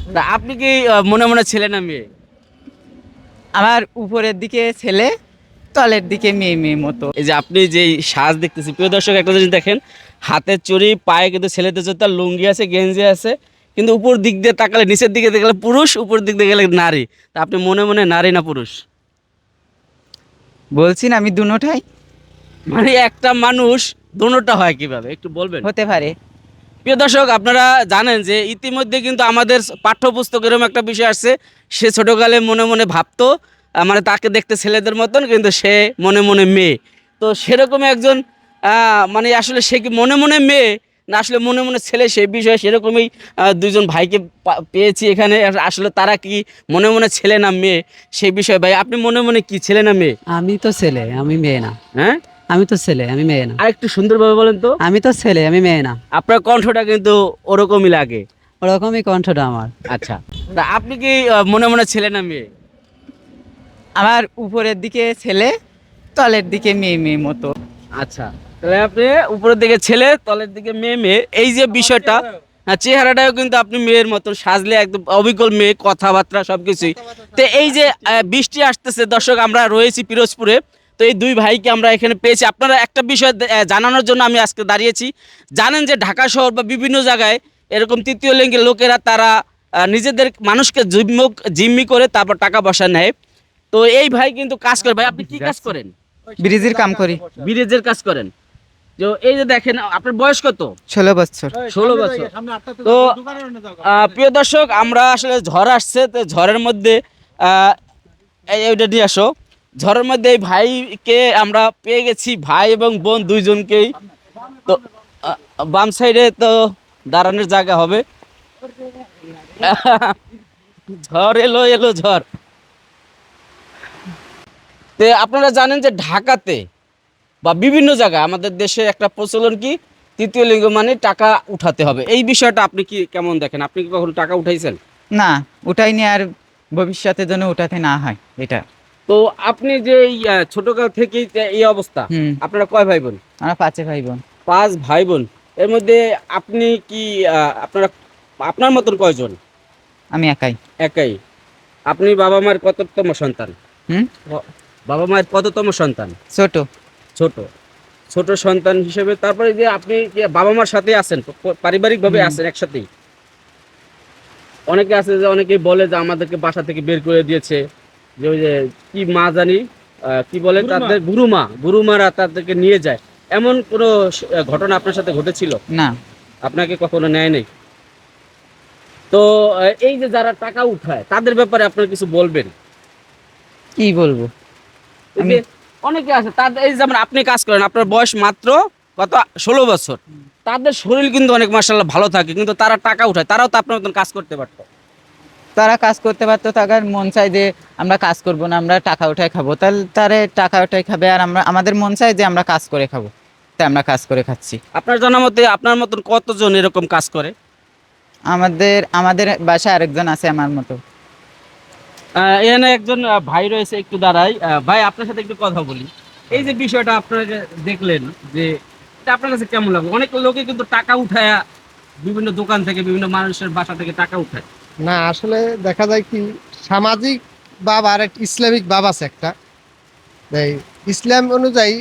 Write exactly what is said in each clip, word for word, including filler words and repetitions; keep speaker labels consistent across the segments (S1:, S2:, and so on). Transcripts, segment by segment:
S1: তা আপনি কি আহ, মনে মনে ছেলে না মেয়ে?
S2: আমার উপরের দিকে ছেলে, তলের দিকে মেয়ে মেয়ে মতো।
S1: এই যে আপনি যে সাজ দেখতেছি, প্রিয় দর্শক একটা জিনিস দেখেন, হাতের চুড়ি, পায়ে কিন্তু ছেলেদের জুতা, লুঙ্গি আছে, গেঞ্জি আছে, কিন্তু উপর দিক দিয়ে তাকালে, নিচের দিকে দেখলে পুরুষ, উপর দিক দিয়ে গেলে নারী। তা আপনি মনে মনে নারী না পুরুষ?
S2: বলছি না আমি দুটোটাই
S1: মানে একটা মানুষ দোনোটা হয় কিভাবে একটু বলবেন?
S2: হতে পারে।
S1: প্রিয় দর্শক, আপনারা জানেন যে ইতিমধ্যে কিন্তু আমাদের পাঠ্যপুস্তক এরকম একটা বিষয় আসছে, সে ছোটকালে মনে মনে ভাবতো আহ, মানে তাকে দেখতে ছেলেদের মতন, কিন্তু সে মনে মনে মেয়ে। তো সেরকমই একজন আহ, মানে আসলে সে কি মনে মনে মেয়ে না আসলে মনে মনে ছেলে, সেই বিষয়ে সেরকমই আহ, দুইজন ভাইকে পা- পেয়েছি এখানে। আসলে তারা কি মনে মনে ছেলে না মেয়ে, সেই বিষয়ে ভাই আপনি মনে মনে কি ছেলে না মেয়ে?
S3: আমি তো ছেলে, আমি মেয়ে না।
S1: হ্যাঁ,
S3: আমি তো ছেলে, আমি মেয়ে না।
S1: আর একটু সুন্দরভাবে বলেন তো।
S3: আমি তো ছেলে, আমি মেয়ে না।
S1: আপনার কণ্ঠটা কিন্তু ওরকমই লাগে।
S3: ওরকমই কণ্ঠটা আমার।
S1: আচ্ছা, তা আপনি কি আহ, মনে মনে ছেলে না মেয়ে?
S2: আমার উপরের দিকে ছেলে, তলের দিকে মেয়ে মেয়ে মতো।
S1: আচ্ছা, তাহলে আপনি উপরের দিকে ছেলে, তলের দিকে মেয়ে মেয়ে, এই যে বিষয়টা, হ্যাঁ, চেহারাটাও কিন্তু আপনি মেয়ের মতন সাজলে একদম অবিকল মেয়ে, কথাবার্তা সবকিছুই। তো এই যে আহ, বৃষ্টি আসতেছে দর্শক, আমরা রয়েছি পিরোজপুরে। তো এই দুই ভাইকে আমরা এখানে পেয়েছি, আপনারা একটা বিষয় দে- আহ, জানানোর জন্য আমি আজকে দাঁড়িয়েছি। জানেন যে ঢাকা শহর বা বিভিন্ন জায়গায় এরকম তৃতীয় লিঙ্গের লোকেরা তারা আহ, নিজেদের মানুষকে জিম্মি জিম্মি করে তারপর টাকা পয়সা নেয়। তো এই ভাই কিন্তু কাজ করে। ভাই আপনি কি কাজ করেন?
S2: ব্রিজের কাম করি।
S1: ব্রিজের কাজ করেন। তো এই যে দেখেন, আপনার বয়স কত?
S2: ষোলো বছর।
S1: ষোলো বছর। তো আহ, প্রিয় দর্শক, আমরা আসলে ঝড় আসছে, তো ঝড়ের মধ্যে আহ, এই ওইটা নিয়ে আসো। ঝড়ের মধ্যে এই ভাইকে আমরা পেয়ে গেছি, ভাই এবং বোন দুইজনকেই। তো আহ, বাম সাইডে তো দাঁড়ানোর জায়গা হবে। ঝড় এলো এলো ঝড়। তো আপনারা জানেন যে ঢাকাতে বা বিভিন্ন জায়গায় আমাদের দেশে একটা প্রচলন কি, তৃতীয় লিঙ্গ মানে টাকা উঠাতে হবে। এই বিষয়টা আপনি কি কেমন দেখেন? আপনি কি কখনো টাকা উঠাইছেন?
S2: না, উঠাইনি, আর ভবিষ্যতের জন্য উঠাতে না হয় এটা।
S1: তো আপনি যে এই আহ, ছোটকাল থেকেই যে এই অবস্থা,
S2: হুম।
S1: আপনারা কয় ভাই বোন?
S2: আমরা পাঁচে ভাই বোন।
S1: পাঁচ ভাই বোন। এর মধ্যে আপনি কি আহ, আপনারা আপনার মতন কয়জন?
S2: আমি একাই।
S1: একাই। আপনি বাবা মায়ের কততম সন্তান?
S2: হুম।
S1: বাবা মায়ের কততম সন্তান?
S2: ছোট।
S1: ছোট। ছোট সন্তান হিসেবে তারপরে যে আপনি যে বাবা মার সাথে আছেন, পারিবারিক ভাবে
S2: হুম।
S1: আছেন একসাথেই। অনেকে আছে যে অনেকেই বলে যে আমাদেরকে বাসা থেকে বের করে দিয়েছে, যে ওই যে কি মা জানি আহ, কি বলে তাদের, গুরুমা, গুরুমারা তাদেরকে নিয়ে যায়। এমন কোনো স- ঘটনা আপনার সাথে ঘটেছিল?
S2: না।
S1: আপনাকে কখনো নেয় নাই? তো আহ, এই যে যারা টাকা উঠায় তাদের ব্যাপারে আপনার কিছু বলবেন?
S2: কি বলবো
S1: এই
S2: আমি।
S1: যে অনেকে আছে তাদের, এই যেমন আপনি কাজ করেন, আপনার বয়স মাত্র কত, ষোলো বছর। তাদের শরীর কিন্তু অনেক মার্শাল্লাহ ভালো থাকে, কিন্তু তারা টাকা উঠায়, তারাও তো আপনার মতন কাজ করতে পারতো।
S2: তারা কাজ করতে পারতো, তাদের মন চাই যে আমরা কাজ করব না, আমরা টাকা উঠাই খাবো, তাহলে তারে টাকা উঠাই খাবে, আর আমরা আমাদের মন চাই যে আমরা কাজ করে খাবো, তাই আমরা কাজ করে খাচ্ছি।
S1: আপনার জানা মতে আপনার মতন কতজন এরকম কাজ করে?
S2: আমাদের আমাদের বাসায় আরেকজন আছে আমার মতো।
S1: আহ, এখানে একজন আহ, ভাই রয়েছে, একটু দাঁড়াই। আহ, ভাই আপনার সাথে একটু কথা বলি। এই যে বিষয়টা আপনারা যে দেখলেন, যে এটা আপনার কাছে কেমন লাগলো? অনেক লোকে কিন্তু টাকা উঠায় বিভিন্ন দোকান থেকে, বিভিন্ন মানুষের বাসা থেকে টাকা উঠায়।
S4: না, আসলে দেখা যায় কি, সামাজিক ভাব আর একটা ইসলামিক ভাব আছে একটা। এই ইসলাম অনুযায়ী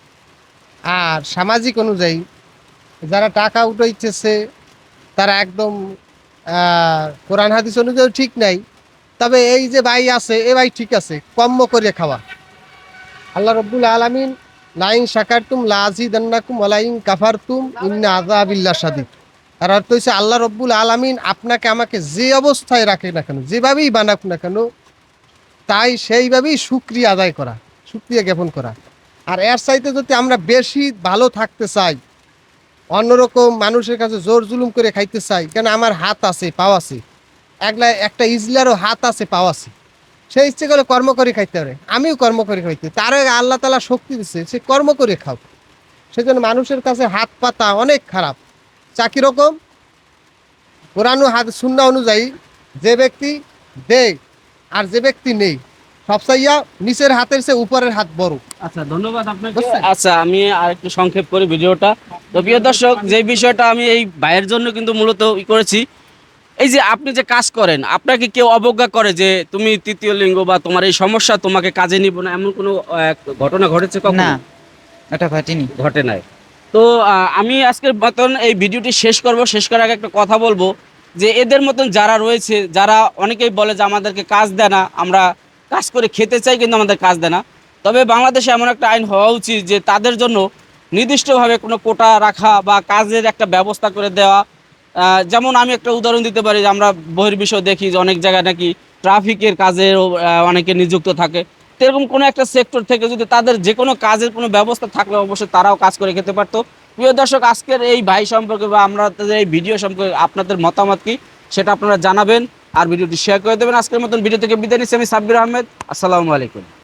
S4: আর সামাজিক অনুযায়ী যারা টাকা উঠাইতেছে তারা একদম আহ, কোরআন হাদিস অনুযায়ী ঠিক নাই। তবে এই যে ভাই আছে, এ ভাই ঠিক আছে, কম্ম করে খাওয়া। আল্লাহ রব্বুল আলামিন লাইন শাকারতুম লাযিদান্নাকুম ওয়ালাইন কাফারতুম ইন্না আযাবিল্লাহ শাদীদ। আর অর্থ হচ্ছে আল্লাহ রব্বুল আলামিন আপনাকে আমাকে যে অবস্থায় রাখে না কেন, যেভাবেই বানাক না কেন, তাই সেইভাবেই শুকরিয়া আদায় করা, শুকরিয়া জ্ঞাপন করা। আর এর চাইতে যদি আমরা বেশি ভালো থাকতে চাই, অন্যরকম মানুষের কাছে জোর জুলুম করে খাইতে চাই, কেন আমার হাত আছে, পাও আছে, একলা একটা ইজলারও হাত আছে, পাও আছে, সেই ইচ্ছে করে কর্ম করে খাইতে পারে, আমিও কর্ম করে খাইতে, তার আগে আল্লাহ তালা শক্তি দিচ্ছে, সে কর্ম করে খাও। সেজন্য মানুষের কাছে হাত পাতা অনেক খারাপ। চা কিরকম? কোরআন ও হাত শূন্য অনুযায়ী যে ব্যক্তি দেয় আর যে ব্যক্তি নেই, সব চাইয়া নিচের হাতের চেয়ে উপরের হাত বড়।
S1: আচ্ছা, ধন্যবাদ আপনাকে।
S4: বুঝছেন?
S1: আচ্ছা, আমি আর একটু সংক্ষেপ করি ভিডিওটা। তো প্রিয় দর্শক, যে বিষয়টা আমি এই ভাইয়ের জন্য কিন্তু মূলত ই করেছি, এই যে আপনি যে কাজ করেন, আপনাকে কেউ অবজ্ঞা করে যে তুমি তৃতীয় লিঙ্গ বা তোমার এই সমস্যা, তোমাকে কাজে নিব না, এমন কোনো আহ, ঘটনা ঘটেছে কখনো?
S2: না, ওটা ঘটেনি।
S1: ঘটে নাই। তো আহ, আমি আজকের মতন এই ভিডিওটি শেষ করব। শেষ করার আগে একটা কথা বলবো যে এদের মতন যারা রয়েছে, যারা অনেকেই বলে যে আমাদেরকে কাজ দেয় না, আমরা কাজ করে খেতে চাই কিন্তু আমাদের কাজ দেয় না। তবে বাংলাদেশে এমন একটা আইন হওয়া উচিত যে তাদের জন্য নির্দিষ্টভাবে কোনো কোটা রাখা বা কাজের একটা ব্যবস্থা করে দেওয়া। আহ, যেমন আমি একটা উদাহরণ দিতে পারি যে আমরা বহির্বিশ্ব দেখি যে অনেক জায়গায় নাকি ট্রাফিকের কাজেও আহ, অনেকে নিযুক্ত থাকে। তো এরকম কোনো একটা সেক্টর থেকে যদি তাদের যে কোনো কাজের কোনো ব্যবস্থা থাকলে অবশ্যই তারাও কাজ করে খেতে পারতো। প্রিয় দর্শক, আজকের এই ভাই সম্পর্কে বা আমরা এই ভিডিও সম্পর্কে আপনাদের মতামত কি সেটা আপনারা জানাবেন আর ভিডিওটি শেয়ার করে দেবেন। আজকের মতন ভিডিও থেকে বিদায় নিচ্ছি আমি সাব্বির আহমেদ। আসসালামু আলাইকুম।